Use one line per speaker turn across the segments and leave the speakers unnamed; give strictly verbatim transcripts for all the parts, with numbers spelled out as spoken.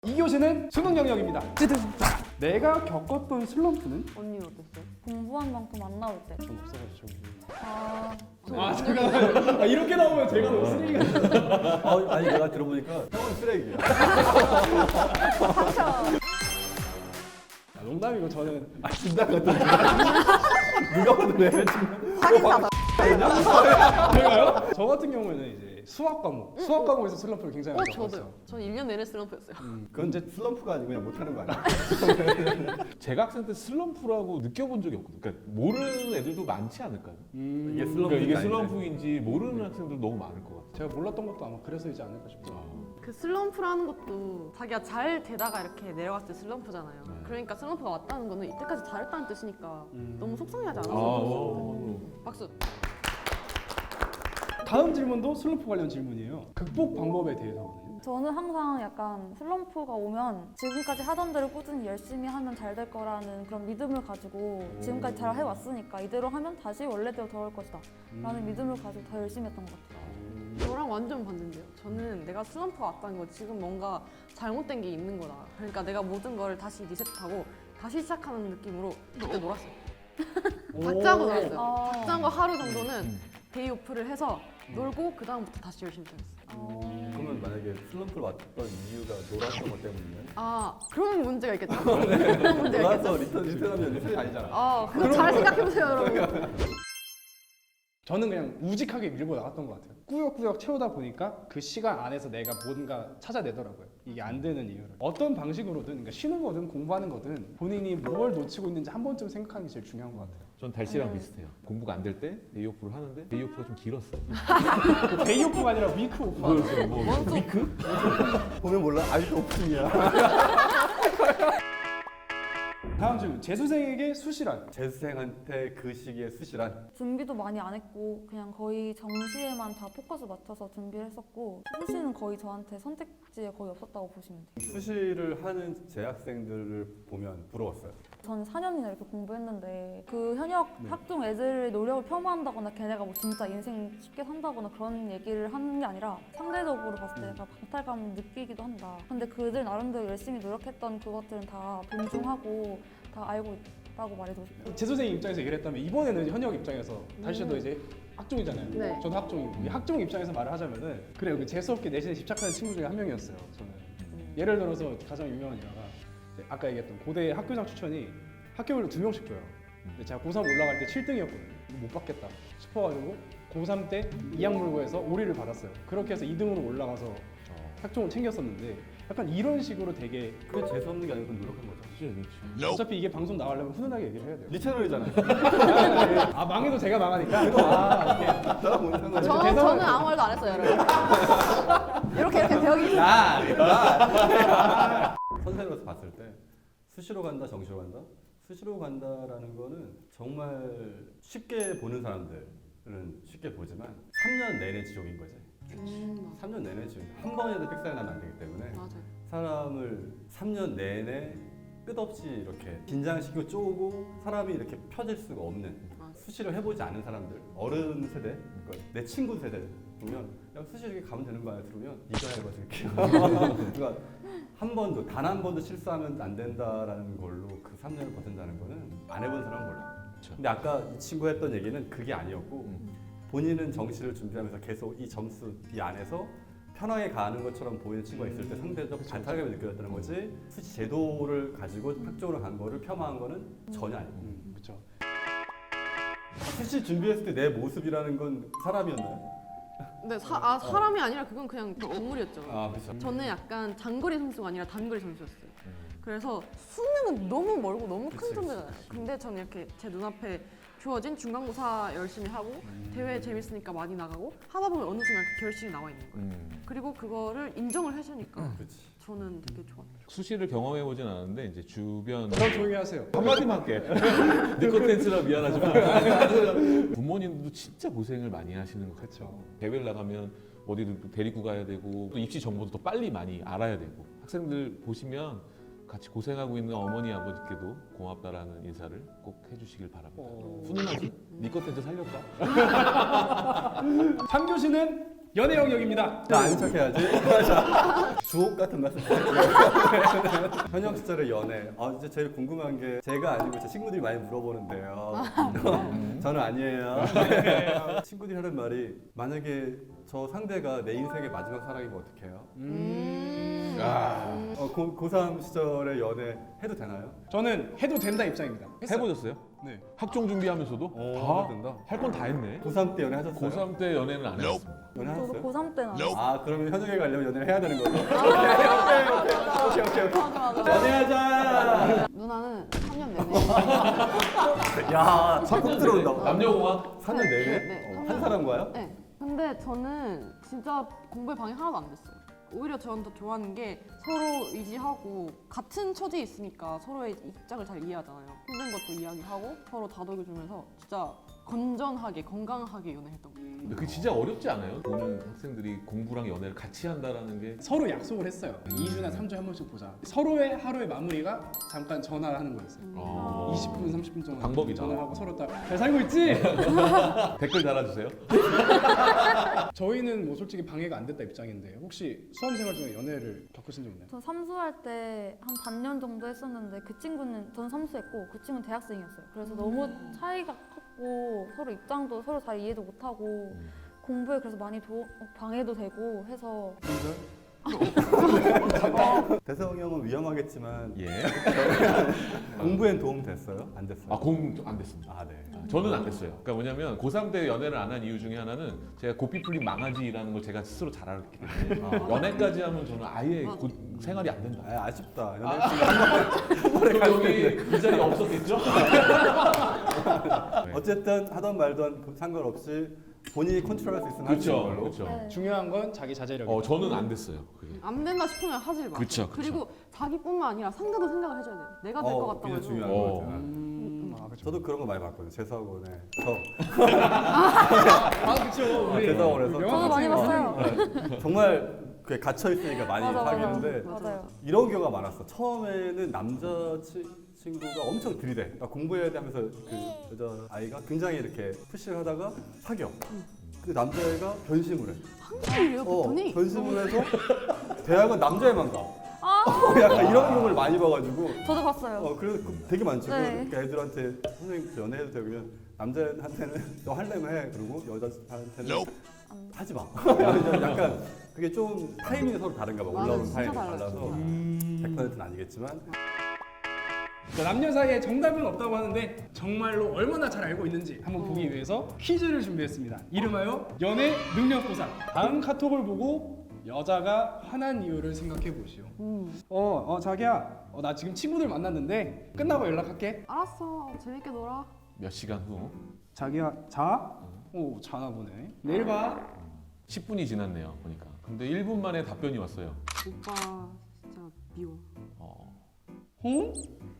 이 교시는 수능 영역입니다. 내가 겪었던 슬럼프는?
언니는 어땠어요?
공부한 만큼 안 나올 때.
좀 없어가지고.
아,
아 잠깐만. 아, 이렇게 나오면 제가 너무 쓰레기가.
어, 아니 내가 들어보니까 형은 쓰레기야.
아, 농담이고 저는
아 진짜 같은. 누가 보네 지금.
사기사다.
제가요? 저 같은 경우에는 이제 수학 과목, 수학 과목에서 슬럼프를 굉장히
어
많이
저도요.
겪었어요.
전 일 년 내내 슬럼프였어요.
그건 이제 슬럼프가 아니고 그냥 못하는 거 아니야?
제가 학생 때 슬럼프라고 느껴본 적이 없거든요. 그러니까 모르는 애들도 많지 않을까요?
음,
이게
그러니까 이게
슬럼프인지
슬럼프인지 모르는 학생들 너무 많을 것 같아요.
제가 몰랐던 것도 아마 그래서이지 않을까 싶어요.
그 슬럼프라는 것도 자기가 잘 되다가 이렇게 내려갔을 때 슬럼프잖아요.
네.
그러니까 슬럼프가 왔다는 거는 이때까지 잘했다는 뜻이니까
음.
너무 속상해하지
아,
않았으면
어,
좋겠어요.
어,
박수.
다음 질문도 슬럼프 관련 질문이에요. 극복 방법에 대해서거든요.
저는 항상 약간 슬럼프가 오면 지금까지 하던 대로 꾸준히 열심히 하면 잘 될 거라는 그런 믿음을 가지고 지금까지 잘 해왔으니까 이대로 하면 다시 원래대로 돌아올 것이다 라는 믿음을 가지고 더 열심히 했던 것 같아요.
저랑 완전 반대인데요. 저는 내가 슬럼프가 왔다는 거 지금 뭔가 잘못된 게 있는 거다. 그러니까 내가 모든 걸 다시 리셋하고 다시 시작하는 느낌으로 그때 놀았어요. 박자고 놀았어요.
아.
박자고 하루 정도는 데이 오프를 해서 놀고 그 다음부터 다시 열심히 배웠어요.
어...
그러면 만약에 슬럼프를 왔던 이유가 놀았던 것 때문이면?
아 그런 문제가 있겠죠. 그런 문제가
놀아서
있겠죠.
리턴 리턴하면 리턴이 아니잖아.
아 그거 잘 생각해보세요 여러분.
저는 그냥 우직하게 밀고 나갔던 것 같아요. 꾸역꾸역 채우다 보니까 그 시간 안에서 내가 뭔가 찾아내더라고요. 이게 안 되는 이유를. 어떤 방식으로든, 그러니까 쉬는 거든 공부하는 거든 본인이 뭘 놓치고 있는지 한 번쯤 생각하는 게 제일 중요한 것 같아요.
전 달씨랑 비슷해요. 공부가 안 될 때 데이오프를 하는데 데이오프가 좀 길었어요.
그 데이 오프가 아니라 위크 오프.
그래서 뭐
원수
보면 몰라 아직도 오픈이야.
다음 질문. 재수생에게 수시란?
재수생한테 그 시기에 수시란?
준비도 많이 안 했고 그냥 거의 정시에만 다 포커스 맞춰서 준비를 했었고 수시는 거의 저한테 선택지에 거의 없었다고 보시면 돼요.
수시를 하는 재학생들을 보면 부러웠어요.
저는 사 년이나 이렇게 공부했는데 그 현역 학종 애들의 노력을 폄하한다거나 걔네가 뭐 진짜 인생 쉽게 산다거나 그런 얘기를 하는 게 아니라 상대적으로 봤을 때 약간 박탈감 느끼기도 한다. 근데 그들 나름대로 열심히 노력했던 그것들은 다 존중하고 다 알고 있다고 말해주고 싶어요.
재수생 입장에서 얘기를 했다면 이번에는 이제 현역 입장에서 달씨도 이제 학종이잖아요.
네.
저도 학종이고 이 학종 입장에서 말을 하자면은 그래요. 그 재수 없게 내신에 집착하는 친구 중에 한 명이었어요. 저는 예를 들어서 가장 유명한 일화가 이제 아까 얘기했던 고대 학교장 추천이 학교별로 두 명씩 줘요. 근데 제가 고삼 올라갈 때 칠 등이었거든요. 못 받겠다 싶어가지고 고삼 때 이학물고에서 오리를 받았어요. 그렇게 해서 이 등으로 올라가서 학종을 챙겼었는데 약간 이런 식으로 되게
그게 재수 없는 게 아니고 그건 노력한 거죠.
그렇지, 그렇지.
어차피 이게 방송 나가려면 훈훈하게 얘기를 해야 돼요.
네 채널이잖아요.
아 망해도 제가 망하니까. 아 오케이.
나랑 뭔 상관이야?
저,
대단하네.
저는 아무 말도 안 했어요 여러분. 이렇게 이렇게 벽이
선생으로서 봤을 때 수시로 간다 정시로 간다? 수시로 간다라는 거는 정말 쉽게 보는 사람들은 쉽게 보지만 삼 년 내내 지옥인 거지.
음,
삼 년 내내 지옥. 한 번이라도 픽사에 나면 안 되기 때문에
맞아요.
사람을 삼 년 내내 끝없이 이렇게 긴장시키고 쪼고 사람이 이렇게 펴질 수가 없는
맞아.
수시를 해보지 않은 사람들 어른 세대 그러니까 내 친구 세대 보면 야 수시 이렇게 가면 되는 거 아니야 들으면 이거 해가지고 이렇게 그러니까 한 번도 단 한 번도 실수하면 안 된다라는 걸로 그 삼 년을 버틴다는 거는 안 해본 사람은 몰라요.
그렇죠.
근데 아까 이 친구 했던 얘기는 그게 아니었고
음.
본인은 정시를 준비하면서 계속 이 점수 이 안에서 편하게 가는 것처럼 보이는 친구가 있을 때 상대적 반타감이 느껴졌다는 거지 수시 제도를 가지고 학종으로 간 거를 폄하한 거는 전혀 아니고
음, 그렇죠.
수시 준비했을 때 내 모습이라는 건 사람이었나요?
근데 사, 아, 사람이 아니라 그건 그냥 동물이었죠.
아 그렇죠.
저는 약간 장거리 선수가 아니라 단거리 선수였어요. 그래서 수능은 너무 멀고 너무 큰
그치,
존재잖아요.
그치.
근데 저는 이렇게 제 눈앞에 주어진 중간고사 열심히 하고 대회 재밌으니까 많이 나가고 하다 보면 어느 순간 그 결실이 나와 있는 거예요.
음.
그리고 그거를 인정을 해주니까
그렇지.
저는 되게 좋았어요.
수시를 경험해 보진 않았는데 이제 주변
그럼 조용히 하세요.
한마디만 할게. 네 컨텐츠라 미안하지만 부모님도 진짜 고생을 많이 하시는 것 같아요.
그렇죠.
대회를 나가면 어디를 또 데리고 가야 되고 또 입시 정보도 더 빨리 많이 알아야 되고 학생들 보시면 같이 고생하고 있는 어머니 아버지께도 고맙다라는 인사를 꼭 해주시길 바랍니다.
어...
훈훈하지? 네 컨텐츠 살렸다?
삼 교시는 연애 영역입니다.
나 아닌 척해야지. 주옥 같은 말씀. 현역 시절의 연애. 아 이제 제일 궁금한 게 제가 아니고 제 친구들이 많이 물어보는데요. 저는 아니에요. 친구들이 하는 말이 만약에 저 상대가 내 인생의 마지막 사랑이면 어떡해요?
음.
아.
어, 고, 고삼 시절의 연애 해도 되나요?
저는 해도 된다 입장입니다. 했어요.
해보셨어요?
네.
학종 준비하면서도
오, 된다.
다 할 건 다 했네.
고삼 때 연애 하셨어요?
고삼 때 연애는 안 했습니다.
연애
저도
하셨어요?
고삼 때는 안 했어요.
아 그러면 현역에 가려면 연애를 해야 되는 거죠? 오케이 오케이 오케이 오케이
맞아 맞아.
연애하자.
누나는 삼 년 내내.
야 자꾸 들어온다.
남녀공학?
삼 년 내내?
네,
어,
삼
한
년.
사람과요?
네. 근데 저는 진짜 공부에 방해 하나도 안 됐어요. 오히려 저는 더 좋아하는 게 서로 의지하고 같은 처지에 있으니까 서로의 입장을 잘 이해하잖아요. 힘든 것도 이야기하고 서로 다독여주면서 진짜 건전하게 건강하게 연애했던 거예요.
근데 그게 진짜 어렵지 않아요? 보는 학생들이 공부랑 연애를 같이 한다라는 게
서로 약속을 했어요. 이 주나 삼 주에 한 번씩 보자. 서로의 하루의 마무리가 잠깐 전화를 하는 거였어요.
어.
이십 분, 삼십 분 정도
방법이다.
전화하고 서로 딱 잘 살고 있지?
댓글 달아주세요.
저희는 뭐 솔직히 방해가 안 됐다 입장인데 혹시 수험 생활 중에 연애를 겪으신 적 있나요?
전 삼수할 때 한 반년 정도 했었는데 그 친구는 전 삼수했고 그 친구는 대학생이었어요. 그래서 너무 차이가 컸고 서로 입장도 서로 잘 이해도 못하고 공부에 그래서 많이 도, 방해도 되고 해서
대성이 형은 위험하겠지만
예.
공부엔 도움 됐어요? 안 됐어요?
아공안 됐습니다.
아 네.
저는 안 됐어요. 그러니까 뭐냐면 고삼 때 연애를 안 한 이유 중에 하나는 제가 고삐 풀린 망아지라는 걸 제가 스스로 잘 알았기 때문에
아.
연애까지 하면 저는 아예 곧 생활이 안 된다.
아, 아쉽다. 연애
그럼 여기 이 자리에 없었겠죠? 네.
어쨌든 하던 말던 상관없이 본인이 컨트롤할 수 있으면 하는
그렇죠,
걸로.
그렇죠.
네.
중요한 건 자기 자제력.
어 저는 안 됐어요. 그게.
안 된다 싶으면 하지 마.
그쵸, 그쵸.
그리고 자기뿐만 아니라 상대도 생각을 해줘야 돼요. 내가 될 것
어,
같다고
굉장히
해도
중요한
어.
거 같아요.
음, 아, 그쵸.
저도 그런 거 많이 봤거든요. 재수학원에 저
아, 그쵸.
아,
우리
재수학원에서
우리
저도 많이
명학생이요.
봤어요.
네. 정말 그 갇혀 있으니까 많이
맞아, 맞아.
사귀는데
맞아요.
이런 경우가 많았어. 처음에는 남자 치, 친구가 엄청 들이대. 그러니까 공부해야 돼 하면서 그 여자 아이가 굉장히 이렇게 푸시를 하다가 사겨. 그 남자애가 변심을 해.
항상 이래요.
어,
보더니
변심을 해서 대학은 남자애만 가. 어, 약간 이런 경우를 많이 봐가지고.
저도 봤어요.
어, 그래서 그 되게 많죠.
네.
그러니까 애들한테 선생님 저 연애해도 돼 그러면 남자한테는 너 할래면 해. 그리고 여자한테는 하지 마. 약간 그게 좀 타이밍이 서로 다른가 봐.
맞아,
올라오는
진짜
타이밍이
달라요,
달라서
진짜.
백 퍼센트는 아니겠지만
자, 남녀 사이에 정답은 없다고 하는데 정말로 얼마나 잘 알고 있는지 한번 보기 위해서 퀴즈를 준비했습니다. 이름하여 연애 능력고사. 다음 카톡을 보고 여자가 화난 이유를 생각해 보시오.
음.
어, 어 자기야, 어, 나 지금 친구들 만났는데 끝나고 연락할게.
알았어. 재밌게 놀아.
몇 시간 후
자기야, 자? 오, 자나 보네. 내일 봐.
십 분이 지났네요. 보니까. 근데 일 분 만에 답변이 왔어요.
오빠 진짜 미워.
어.
어?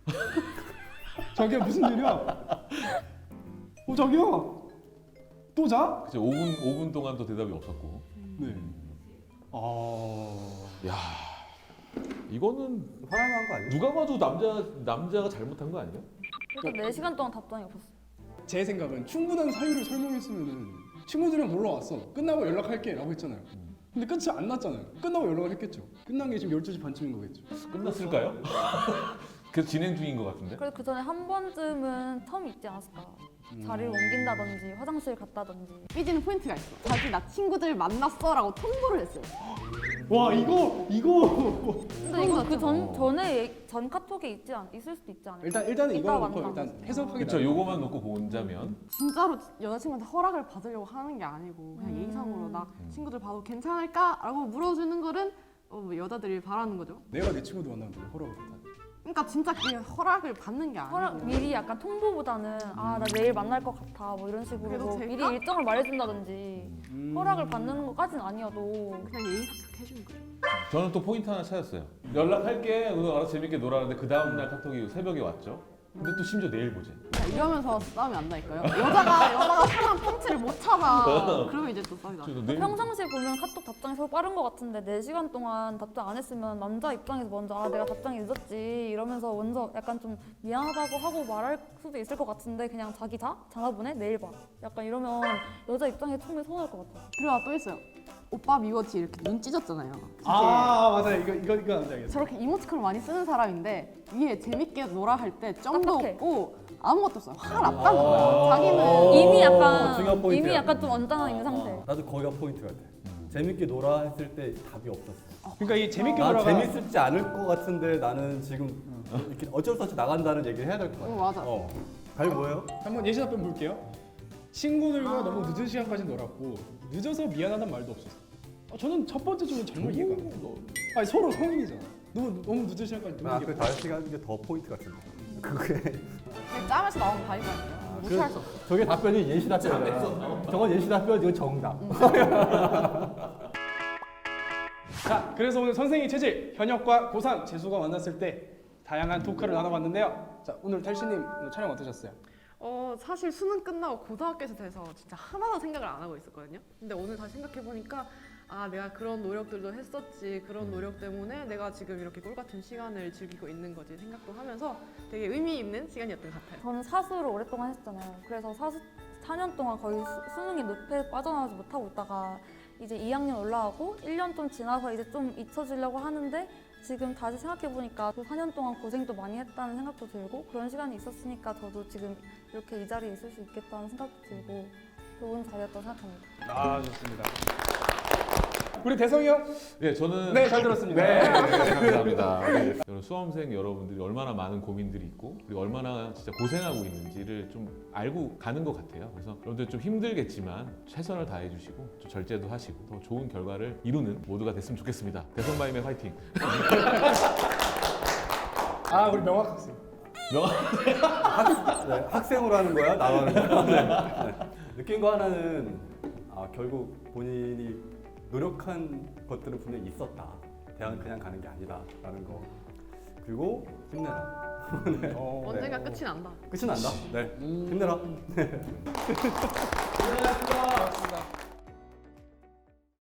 자기야 무슨 일이야? 어 자기야 또 자?
그치 오 분 오 분 동안 또 대답이 없었고.
네. 아
야 이거는
화나는 거 아니에요?
누가 봐도 남자 남자가 잘못한 거 아니에요?
그래서 네 시간 동안 답장이 없었어요.
제 생각은 충분한 사유를 설명했으면은 친구들이랑 놀러 왔어. 끝나고 연락할게라고 했잖아요. 근데 끝이 안 났잖아요. 끝나고 연락을 했겠죠. 끝난 게 지금 열두 시 반쯤인 거겠죠.
끝났을까요? 그래서 진행 중인 것 같은데.
그래도 그 전에 한 번쯤은 텀이 있지 않았을까. 자리를 옮긴다든지 화장실 갔다든지.
삐지는 포인트가 있어. 자기 나 친구들 만났어라고 통보를 했어요.
와 이거 이거
근데 이거 그 전 전에 얘- 전 카톡에 있지 않, 있을 수도 있지 않을까?
일단 일단은
이따
이거 놓고
만나.
일단 해석하기
그렇죠. 요거만 놓고 본자면
진짜로 여자친구한테 허락을 받으려고 하는 게 아니고 그냥
음.
예의상으로 나 친구들 봐도 괜찮을까? 라고 물어주는 거는 어, 여자들이 바라는 거죠.
내가 내 친구도 만나는데 허락을 받아.
그러니까 진짜 그게 허락을 받는 게 아니고
허락 미리 약간 통보보다는 아 나 내일 만날 것 같아 뭐 이런 식으로
그래도
뭐
될까?
미리 일정을 말해준다든지
음.
허락을 받는 것까지는 아니어도
그냥 예의상격 해주는 거죠.
저는 또 포인트 하나 찾았어요. 연락할게. 오늘 알아서 재밌게 놀았는데 그 다음 날 카톡이 새벽에 왔죠. 근데 또 심지어 내일 보재.
자, 이러면서 싸움이 안 나니까요. 여자가 여자가 사람 펀치를 못 참아. 그러면 이제 또 싸움이 나.
그래서 내일
평상시에 보면 카톡 답장이 서로 빠른 것 같은데 네 시간 동안 답장 안 했으면 남자 입장에서 먼저 아 내가 답장이 늦었지 이러면서 먼저 약간 좀 미안하다고 하고 말할 수도 있을 것 같은데 그냥 자기 자? 전화 보내? 내일 봐. 약간 이러면 여자 입장에 처음에 서운할 것 같아요.
그리고 또 있어요. 오빠 미워지 이렇게 눈 찢었잖아요.
아 맞아요. 이거 이거 이거 뭔지 알겠어요.
저렇게 이모티콘을 많이 쓰는 사람인데 위에 재밌게 놀아 할 때 점도
딱딱해.
없고 아무것도 없어요. 화가 났다는 거야. 자기는
어,
이미
중요한
약간
포인트야.
이미 약간 좀 언짢아 있는 상태.
나도 거기가 포인트 같아. 재밌게 놀아 했을 때 답이 없었어.
그러니까 이 재밌게
난
놀아가
재밌을지 않을 것 같은데 나는 지금 이렇게 어쩔 수 없이 나간다는 얘기를 해야 될 것 같아.
어, 맞아.
어. 답이 뭐예요?
한번 예시 답변 볼게요. 친구들과 너무 늦은 시간까지 놀았고 늦어서 미안하다는 말도 없었어. 아, 저는 첫 번째 주는 정말 이해가 안 돼. 아니 서로 성인이잖아. 너무 너무 늦은 시간까지 노는
아,
게
그
뭐야?
다섯 시간 게 더 포인트 같은데. 그게
그냥 짬에서 나온 답이 아니에요. 무시할 수 없어.
저게 답변이 예시 답변이야. 저건 예시 답변, 이건 정답.
자, 그래서 오늘 선생님 체질 현역과 고삼 재수가 만났을 때 다양한 토크를 나눠봤는데요. 자, 오늘 탈씨님 오늘 촬영 어떠셨어요?
어 사실 수능 끝나고 고등학교에서 돼서 진짜 하나도 생각을 안 하고 있었거든요. 근데 오늘 다시 생각해 보니까 아 내가 그런 노력들도 했었지. 그런 노력 때문에 내가 지금 이렇게 꿀 같은 시간을 즐기고 있는 거지 생각도 하면서 되게 의미 있는 시간이었던 것 같아요.
저는 사수를 오랫동안 했잖아요. 그래서 사수 사 년 동안 거의 수, 수능의 늪에 빠져나오지 못하고 있다가 이제 이 학년 올라가고 일 년 좀 지나서 이제 좀 잊혀지려고 하는데 지금 다시 생각해보니까 그 사 년 동안 고생도 많이 했다는 생각도 들고 그런 시간이 있었으니까 저도 지금 이렇게 이 자리에 있을 수 있겠다는 생각도 들고 좋은 자리였다고 생각합니다.
아, 좋습니다. 우리 대성이 형?
네, 저는
네, 잘 들었습니다.
네, 감사합니다. 네. 여러분, 수험생 여러분들이 얼마나 많은 고민들이 있고 그리고 얼마나 진짜 고생하고 있는지를 좀 알고 가는 것 같아요. 그래서 여러분들 좀 힘들겠지만 최선을 다해 주시고 좀 절제도 하시고 더 좋은 결과를 이루는 모두가 됐으면 좋겠습니다. 대성마임의 화이팅!
아, 우리 명확 학생.
네, 학생으로 하는 거야? 나로 하는 거야? 네. 네. 느낀 거 하나는 아, 결국 본인이 노력한 것들은 분명히 있었다. 대학은 그냥 가는 게 아니다라는 거. 그리고 힘내라.
어,
언젠가 끝이 난다.
끝이 난다. 네, 힘내라.
네.